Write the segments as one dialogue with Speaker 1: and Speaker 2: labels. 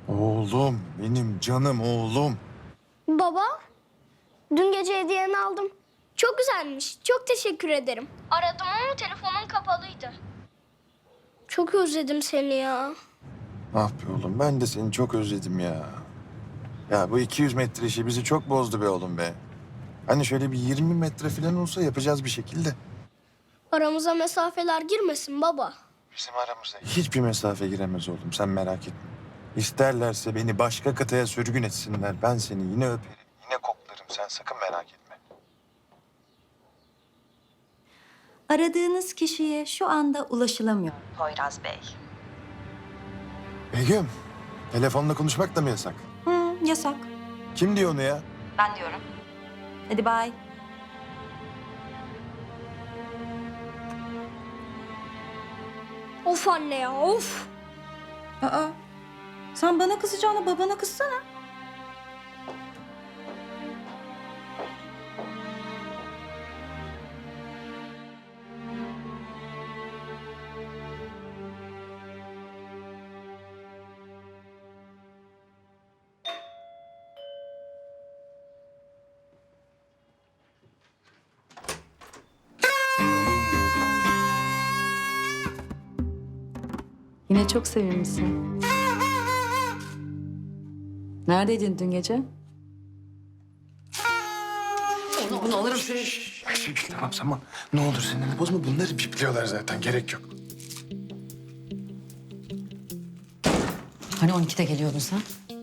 Speaker 1: Oğlum, benim canım oğlum.
Speaker 2: Baba, dün gece hediyeni aldım. Çok güzelmiş. Çok teşekkür ederim. Aradım ama telefonun kapalıydı. Çok özledim seni ya.
Speaker 1: Ah be oğlum, ben de seni çok özledim ya. Ya bu 200 metre işi bizi çok bozdu be oğlum be. Hani şöyle bir 20 metre falan olsa yapacağız bir şekilde.
Speaker 2: Aramıza mesafeler girmesin baba.
Speaker 1: Bizim aramıza hiçbir mesafe giremez oğlum, sen merak etme. İsterlerse beni başka kıtaya sürgün etsinler. Ben seni yine öperim, yine koklarım. Sen sakın merak etme.
Speaker 3: Aradığınız kişiye şu anda ulaşılamıyor.
Speaker 4: Poyraz Bey.
Speaker 1: Begüm, telefonla konuşmak da mı yasak?
Speaker 3: Yasak.
Speaker 1: Kim diyor onu ya?
Speaker 4: Ben diyorum.
Speaker 3: Hadi bay.
Speaker 2: Of anne ya, of.
Speaker 3: Aa, sen bana kızacağına babana kızsana.
Speaker 5: Yine çok sevinmişsin. Neredeydin dün gece?
Speaker 6: Bunu alırım seni.
Speaker 1: Tamam, ne olur sinirli bozma. Bunları bipliyorlar zaten, gerek yok.
Speaker 6: Hani 12'de geliyordun sen?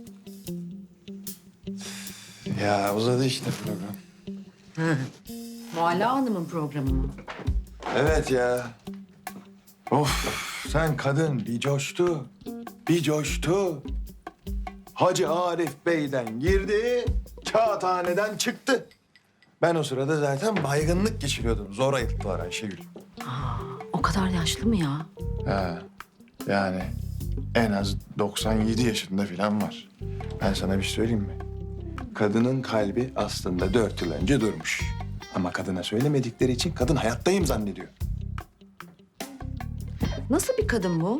Speaker 1: Ya uzadı işte program.
Speaker 6: Mualla Hanım'ın programı mı?
Speaker 1: Evet ya. Of, sen kadın bir coştu, bir coştu. Hacı Arif Bey'den girdi, kağıthaneden çıktı. Ben o sırada zaten baygınlık geçiriyordum. Zor ayılttılar Ayşegül.
Speaker 6: O kadar yaşlı mı ya?
Speaker 1: Ha, yani en az 97 yaşında falan var. Ben sana bir şey söyleyeyim mi? Kadının kalbi aslında 4 yıl önce durmuş. Ama kadına söylemedikleri için kadın hayattayım zannediyor.
Speaker 6: Nasıl bir kadın bu?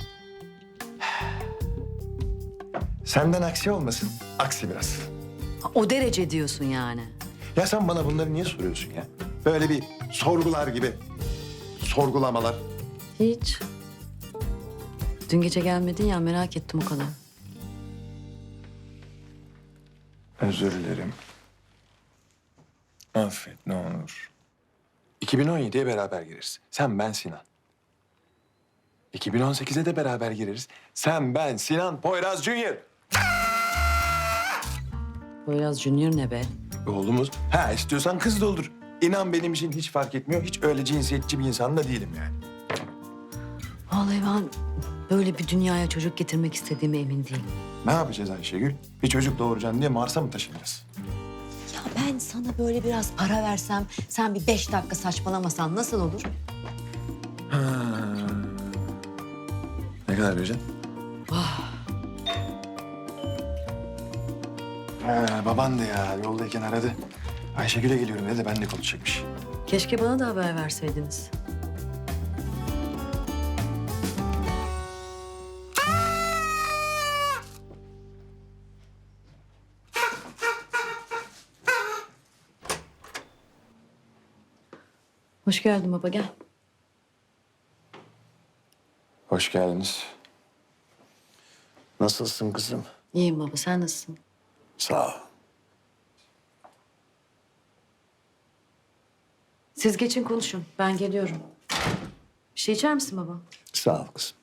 Speaker 1: Senden aksi olmasın, aksi biraz.
Speaker 6: O derece diyorsun yani.
Speaker 1: Ya sen bana bunları niye soruyorsun ya? Böyle bir sorgular gibi. Sorgulamalar.
Speaker 6: Hiç. Dün gece gelmedin ya, merak ettim o kadar.
Speaker 1: Özür dilerim. Affet ne olur. 2017'ye beraber gireriz. Sen, ben, Sinan. 2018'e de beraber gireriz. Sen, ben, Sinan, Poyraz Junior.
Speaker 6: Poyraz Junior ne be?
Speaker 1: Oğlumuz. Ha, istiyorsan kız da olur. İnan benim için hiç fark etmiyor. Hiç öyle cinsiyetçi bir insan da değilim yani.
Speaker 6: Vallahi ben böyle bir dünyaya çocuk getirmek istediğime emin değilim.
Speaker 1: Ne yapacağız Ayşegül? Bir çocuk doğuracaksın diye Mars'a mı taşınacağız?
Speaker 6: Ya ben sana böyle biraz para versem, sen bir 5 dakika saçmalamasan nasıl olur?
Speaker 1: Ha. Ne kadar vereceksin? Baban da ya yoldayken aradı. Ayşegül'e geliyorum dedi, benimle konuşacakmış.
Speaker 6: Keşke bana da haber verseydiniz. Hoş geldin baba, gel.
Speaker 1: Hoş geldiniz.
Speaker 7: Nasılsın kızım?
Speaker 6: İyiyim baba, sen nasılsın?
Speaker 7: Sağ ol.
Speaker 6: Siz geçin konuşun, ben geliyorum. Bir şey içer misin baba?
Speaker 7: Sağ ol kızım.